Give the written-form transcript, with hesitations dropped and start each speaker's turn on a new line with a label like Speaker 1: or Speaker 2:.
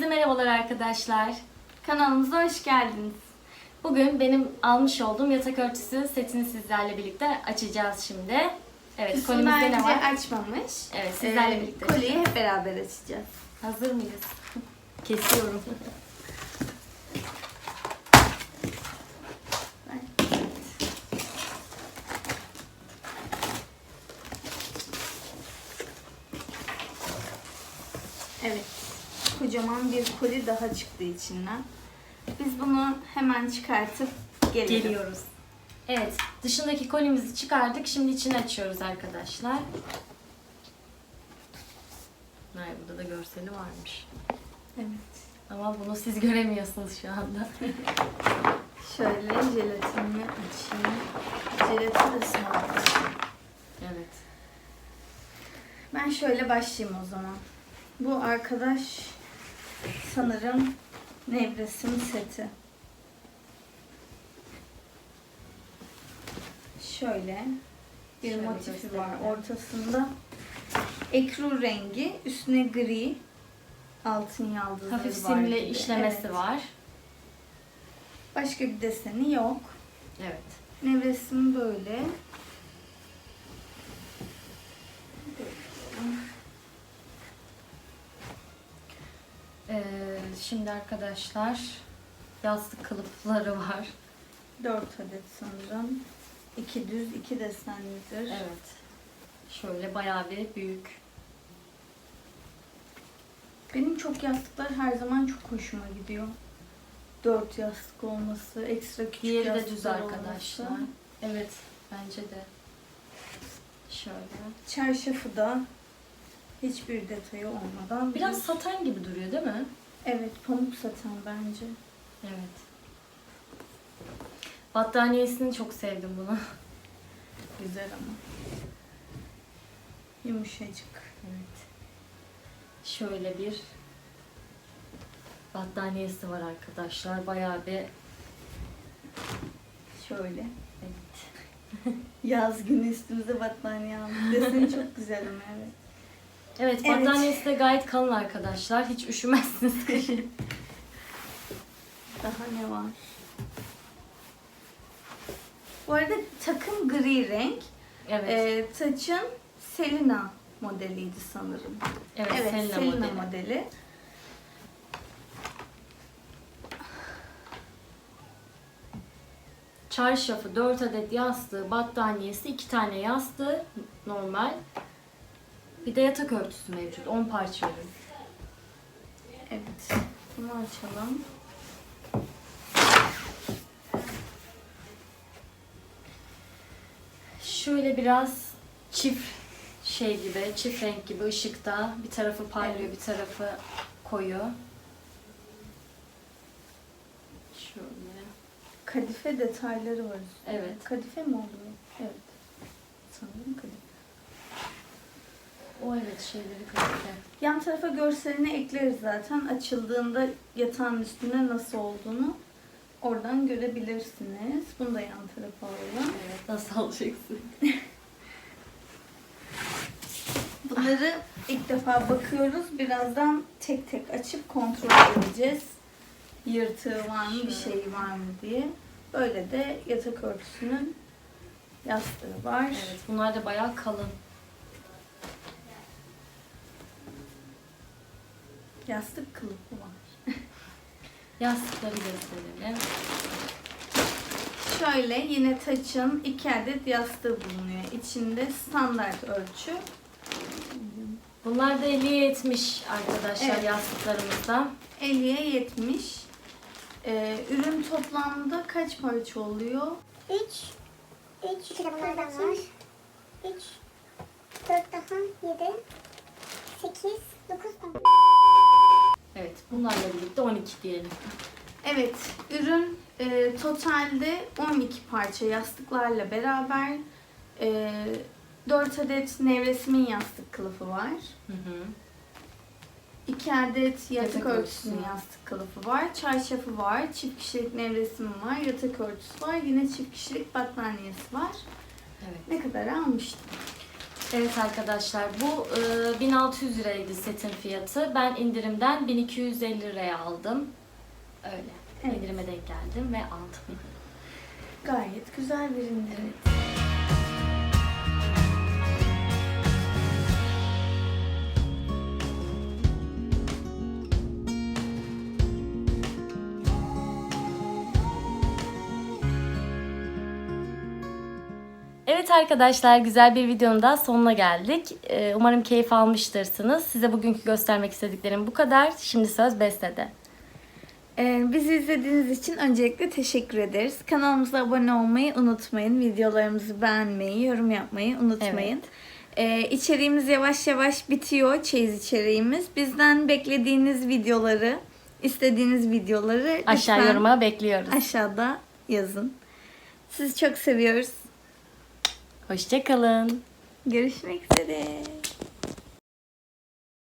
Speaker 1: merhabalar arkadaşlar. Kanalımıza hoş geldiniz. Bugün benim almış olduğum yatak örtüsü setini sizlerle birlikte açacağız şimdi. Evet, kolimizde ne var?
Speaker 2: Açmamış.
Speaker 1: Evet, sizlerle birlikte.
Speaker 2: Koliyi hep beraber açacağız.
Speaker 1: Hazır mıyız? Kesiyorum.
Speaker 2: Evet. Kocaman bir koli daha çıktı içinden. Biz bunu hemen çıkartıp
Speaker 1: Geliyoruz. Evet, dışındaki kolimizi çıkardık. Şimdi içini açıyoruz arkadaşlar. Hayır, burada da görseli varmış.
Speaker 2: Evet.
Speaker 1: Ama bunu siz göremiyorsunuz şu anda.
Speaker 2: Şöyle jelatinini açayım. Jelatin de sağlıklı.
Speaker 1: Evet.
Speaker 2: Ben şöyle başlayayım o zaman. Bu arkadaş sanırım nevresim seti. Şöyle bir
Speaker 1: Şöyle
Speaker 2: motifi var
Speaker 1: gösterelim.
Speaker 2: ortasında. Ekru rengi, üstüne gri, altın yaldızları
Speaker 1: Hafif
Speaker 2: var
Speaker 1: simli
Speaker 2: gibi.
Speaker 1: işlemesi
Speaker 2: Evet.
Speaker 1: var.
Speaker 2: Başka bir deseni yok.
Speaker 1: Evet.
Speaker 2: Nevresim böyle.
Speaker 1: Şimdi arkadaşlar yastık kılıfları var.
Speaker 2: 4 adet sanırım. 2 düz, 2 desenlidir.
Speaker 1: Evet. Şöyle bayağı bir büyük.
Speaker 2: Benim çok yastıklar her zaman çok hoşuma gidiyor. 4 yastık olması, ekstra küçük
Speaker 1: Diğeri de
Speaker 2: yastıklar
Speaker 1: düz arkadaşlar.
Speaker 2: olması.
Speaker 1: Evet, bence de. Şöyle.
Speaker 2: Çarşafı da hiçbir detayı olmadan.
Speaker 1: Biraz
Speaker 2: düz.
Speaker 1: saten gibi duruyor değil mi?
Speaker 2: Evet, pamuk saten bence.
Speaker 1: Evet. Battaniyesini çok sevdim bunu.
Speaker 2: Güzel ama. Yumuşacık.
Speaker 1: Evet. Şöyle bir battaniyesi var arkadaşlar. Bayağı bir
Speaker 2: Şöyle.
Speaker 1: evet.
Speaker 2: Yaz günü üstümüze battaniye aldık. Deseni çok güzel ama evet.
Speaker 1: Evet,
Speaker 2: Evet.
Speaker 1: battaniyesi de gayet kalın arkadaşlar. Hiç üşümezsiniz kışın.
Speaker 2: Daha ne var? Bu arada takım gri renk.
Speaker 1: Evet.
Speaker 2: Taçın Selina modeliydi sanırım.
Speaker 1: Evet, Selena modeli.
Speaker 2: modeli.
Speaker 1: Çarşafı, 4 adet yastığı, battaniyesi, 2 tane yastığı normal. Bir de yatak örtüsü mevcut. 10 parça ürün.
Speaker 2: Evet. Bunu açalım.
Speaker 1: Şöyle biraz çift gibi, çift renk gibi ışıkta. Bir tarafı parlıyor,
Speaker 2: Evet.
Speaker 1: bir tarafı koyu. Şöyle.
Speaker 2: Kadife detayları var üstünde.
Speaker 1: Evet.
Speaker 2: Kadife mi oluyor? Evet. Sanırım kadife.
Speaker 1: O evet, şeyleri kadife.
Speaker 2: Yan tarafa görselini ekleriz zaten. Açıldığında yatağın üstünde nasıl olduğunu oradan görebilirsiniz. Bunu da yan tarafa alalım.
Speaker 1: Evet, nasıl alacaksın?
Speaker 2: Bunları ilk defa bakıyoruz. Birazdan tek tek açıp kontrol edeceğiz. Yırtığı var mı, bir şey var mı diye. Böyle de yatak örtüsünün yastığı var.
Speaker 1: Evet, bunlar da bayağı kalın.
Speaker 2: Yastık kılıfı var.
Speaker 1: Yastıkları gösterelim.
Speaker 2: Şöyle yine Taç'ın 2 adet yastığı bulunuyor. İçinde standart ölçü.
Speaker 1: Bunlar da 50'ye 70 arkadaşlar,
Speaker 2: Evet.
Speaker 1: yastıklarımızda.
Speaker 2: 50'ye 70. Ürün toplamda kaç parça oluyor?
Speaker 3: 3 de bunlardan var. 3 4 daha 7 8 9 10.
Speaker 1: Evet, bunlarla birlikte 12 diyelim.
Speaker 2: Evet, ürün totalde 12 parça yastıklarla beraber 4 adet nevresimin yastık kılıfı var.
Speaker 1: Hı hı.
Speaker 2: 2 adet yatak
Speaker 1: Yatak
Speaker 2: örtüsünün
Speaker 1: örtüsü.
Speaker 2: yastık kılıfı var. Çarşafı var. Çift kişilik nevresimim var. Yatak örtüsü var. Yine çift kişilik battaniyesi var.
Speaker 1: Evet.
Speaker 2: Ne kadar almıştım?
Speaker 1: Evet arkadaşlar, bu 1600 liraydı setin fiyatı. Ben indirimden 1250 liraya aldım. Öyle.
Speaker 2: Evet.
Speaker 1: İndirime denk geldim ve aldım.
Speaker 2: Gayet güzel bir indirim.
Speaker 1: Evet arkadaşlar, güzel bir videonun daha sonuna geldik. Umarım keyif almıştırsınız. Size bugünkü göstermek istediklerim bu kadar. Şimdi söz Beste'de.
Speaker 2: Bizi izlediğiniz için öncelikle teşekkür ederiz. Kanalımıza abone olmayı unutmayın. Videolarımızı beğenmeyi, yorum yapmayı unutmayın. İçeriğimiz yavaş yavaş bitiyor. Çeyiz içeriğimiz. Bizden beklediğiniz videoları, istediğiniz videoları
Speaker 1: Aşağı
Speaker 2: lütfen
Speaker 1: yoruma bekliyoruz.
Speaker 2: aşağıda yazın. Sizi çok seviyoruz.
Speaker 1: Hoşça kalın.
Speaker 2: Görüşmek üzere.